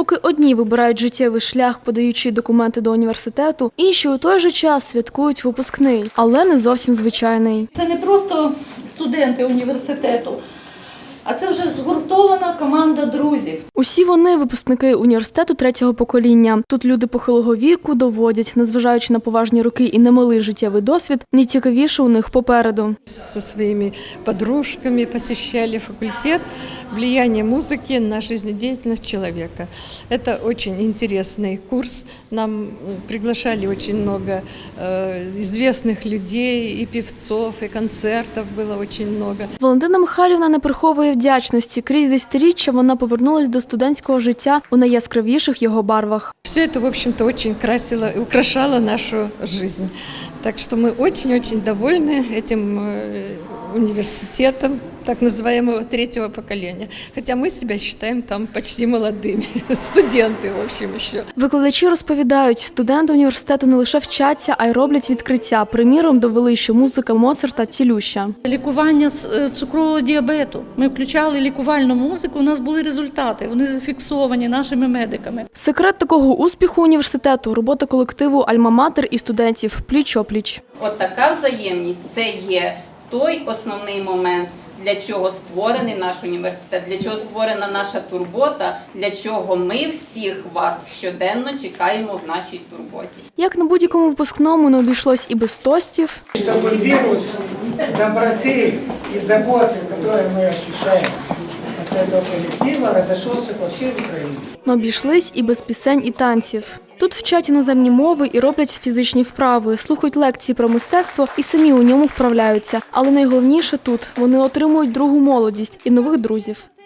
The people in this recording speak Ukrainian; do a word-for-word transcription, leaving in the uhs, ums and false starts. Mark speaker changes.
Speaker 1: Поки одні вибирають життєвий шлях, подаючи документи до університету, інші у той же час святкують випускний, але не зовсім звичайний.
Speaker 2: Це не просто студенти університету, а це вже згуртована команда друзів.
Speaker 1: Усі вони – випускники університету третього покоління. Тут люди похилого віку доводять, незважаючи на поважні роки і немалий життєвий досвід, найцікавіше у них попереду.
Speaker 3: Со своими подружками посещали факультет «Влияние музыки на жизнедеятельность человека». Это очень интересный курс. Нам приглашали очень много э, известных людей, и певцов, и концертов было очень много.
Speaker 1: Валентина Михайлівна не приховує вдячності. Крізь десятиріччя вона повернулась до студентського життя у найяскравіших його барвах.
Speaker 3: Все это, в общем-то, очень красило и украшало нашу жизнь. Так что мы очень-очень довольны этим университетом, так называемого третьего поколения. Хотя мы себя считаем там почти молодыми, студенти, в общем, ще.
Speaker 1: Викладачі розповідають, студенти університету не лише вчаться, а й роблять відкриття. Приміром, довели, що музика Моцарта цілюща.
Speaker 2: Лікування цукрового діабету. Ми включали лікувальну музику, у нас були результати, вони зафіксовані нашими медиками.
Speaker 1: Секрет такого успіху університету – робота колективу «Альма-Матер» і студентів пліч-опліч.
Speaker 4: От така взаємність – це є той основний момент, для чого створений наш університет, для чого створена наша турбота, для чого ми всіх вас щоденно чекаємо в нашій турботі.
Speaker 1: Як на будь-якому випускному не обійшлось і без тостів.
Speaker 5: Щоб вірус доброти і заботи, який ми відчуваємо від цього колективу, розійшовся по всій Україні.
Speaker 1: Не обійшлись і без пісень і танців. Тут вчать іноземні мови і роблять фізичні вправи, слухають лекції про мистецтво і самі у ньому вправляються. Але найголовніше тут – вони отримують другу молодість і нових друзів.